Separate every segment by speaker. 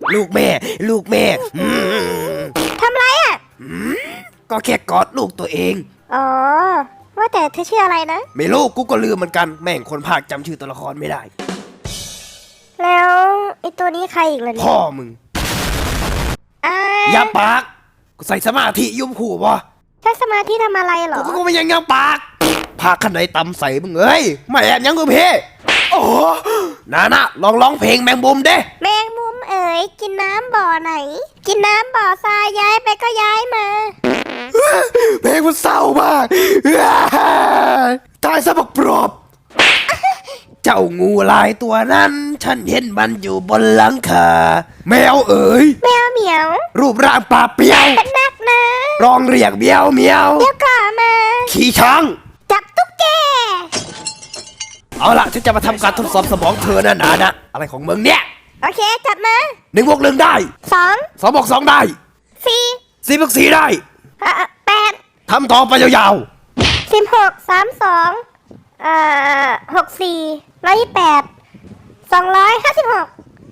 Speaker 1: ลูกแม่ลูกแม่
Speaker 2: ทำไรอ่ะ
Speaker 1: ก็แค่กอดลูกตัวเอง
Speaker 2: อ๋อว่าแต่เธอชื่ออะไรนะ
Speaker 1: ไม่รู้กูก็ลืมเหมือนกันแม่งคนภาคจำชื่อตัวละครไม่ได้
Speaker 2: แล้วไอตัวนี้ใครอีกล่ะเนี่
Speaker 1: พ่
Speaker 2: ย
Speaker 1: อมึง
Speaker 2: อ่า
Speaker 1: อย่าปากกูใส่สมาธิยุ่มขู่วะ
Speaker 2: ใช้สมาธิทำอะไรเหรอ
Speaker 1: กูไม่ยังปากพาขันไหนตำใส่มึงเอ้ยไม่แอบยังกูเพ่โอ้นะลองร้องเพลงแมงมุมเด้
Speaker 2: แมงมุมเอ๋ยกินน้ำบ่อไหน กินน้ำบ่อทรายย้ายไปก็ย้ายมา
Speaker 1: เพลงมันเศร้ามากตายซะบักปลอบเจ้างูลายตัวนั้นฉันเห็นมันอยู่บนหลังคาแมวเอ๋ย
Speaker 2: แมวเหมียว
Speaker 1: รูปร่างปลาเปรียว
Speaker 2: เป็นนักนะ
Speaker 1: ร้องเรียกเมียวเมียว
Speaker 2: เดี๋ยวก่อนมา
Speaker 1: ขี่ช้าง
Speaker 2: จับตุ๊กแก
Speaker 1: เอาล่ะฉันจะมาทำการทดสอบสมองเธอนะอะไรของมึงเนี่ย
Speaker 2: โอเคจับมา
Speaker 1: 1+1ได้
Speaker 2: 2
Speaker 1: 2+2ได้
Speaker 2: 4
Speaker 1: 4+4ได้
Speaker 2: 8
Speaker 1: ทำต่อไปยาว
Speaker 2: 16 32 64 128 256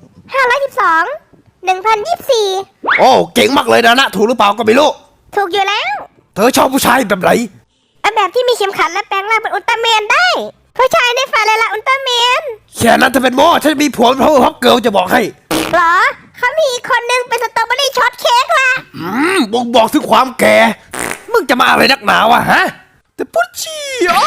Speaker 2: 512 1024
Speaker 1: ๆโอ้เก่งมากเลยนะถูกหรือเปล่าก็ไม่รู้
Speaker 2: ถูกอยู่แล้ว
Speaker 1: เธอชอบผู้ชายแบบไหน
Speaker 2: เอาแบบที่มีเข็มขัดและแปลงร่างเป็นอุลตร้าแมนได้ ผู้ชายในฝันเลยล่ะอุลตร้าแมน
Speaker 1: แค่นั้นจะเป็นโม่ฉันมีผัวเป็นพ่อฮอกเกิลจะบอกให้
Speaker 2: เหรอเขามีอีกคนนึงเป็นสตรอเบอรี่ช็อตเค้กล่ะ
Speaker 1: บ่งบอกถึงความแก่ มึงจะมาอะไรนักหนาวะฮะ แต่พุชชี่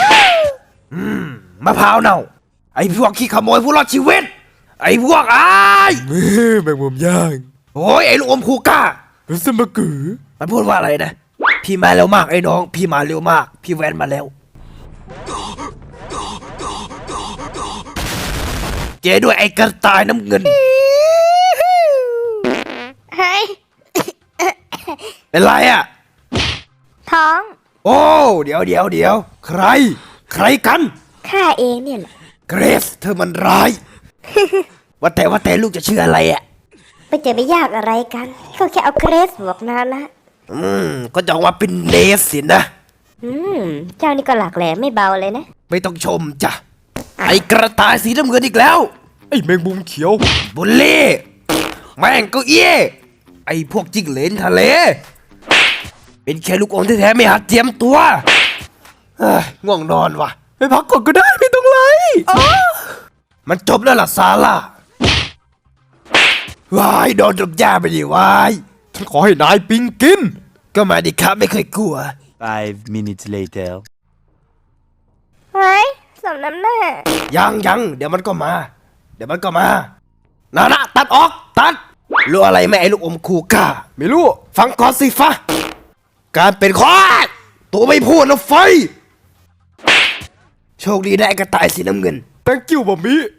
Speaker 1: มะพร้าวเน่า ไอ้พวกขี้ขโมยผู้รอดชีวิต ไอ้พวก
Speaker 3: แมงมุมย่าง
Speaker 1: โอ้ยไอ้ลูกอมคูก้า
Speaker 3: รู้สึกมากือ
Speaker 1: มันพูดว่าอะไรนะ พี่มาเร็วมากไอ้น้อง พี่มาเร็วมาก พี่แวนมาแล้ว เจด้วยไอ้กระต่ายน้ำเงิน
Speaker 2: เฮ้ย
Speaker 1: เป็นไรอ่ะ
Speaker 2: ท้อง
Speaker 1: โอ้ เดี๋ยว ใครกัน
Speaker 2: ข้าเองเนี่ยแหละ
Speaker 1: เกรซเธอมันร้าย ว่าแต่ลูกจะชื่ออะไรอ่ะ
Speaker 2: ไม่จะไปยากอะไรกันก็แค่เอาเกรสบอกนานะ
Speaker 1: ก็จะออกมาเป็นเนสสินะ
Speaker 2: เจ้านี่ก็หลักแหลมไม่เบาเลยนะ
Speaker 1: ไม่ต้องชมจ้ะ ไอ้กระต่ายสีน้ำเงินอีกแล้ว
Speaker 3: ไอ้แมงมุมเขียว
Speaker 1: บุลลี่แม่งก็เอี้ยไอ้พวกจิ้งเหลนทะเล เป็นแค่ลูกอมแท้ๆไม่หัดเจียมตัวเฮ้ยง่วงนอนว่ะ
Speaker 3: ไปพักก่อนก็ได้ไม่ต้องไล่
Speaker 1: มันจบแล้วล่ะซาร่า วายโดนดมยาไปดิวาย
Speaker 3: ฉันขอให้นายปิงกิน
Speaker 1: ก็มาดิครับไม่เคยกลัว
Speaker 4: 5 minutes later.
Speaker 2: เฮ้ยสมน้ำหน้า
Speaker 1: ยังเดี๋ยวมันก็มานะตัดออกตัดรู้อะไรไหมไอ้ลูกอมคูก้า
Speaker 3: ไม่รู้
Speaker 1: ฟังก่อนสิฟะการเป็นคอตัวไม่พูดนะไฟ โชคดีได้กระต่ายสีน้ำเงิน
Speaker 3: thank you บะหมี่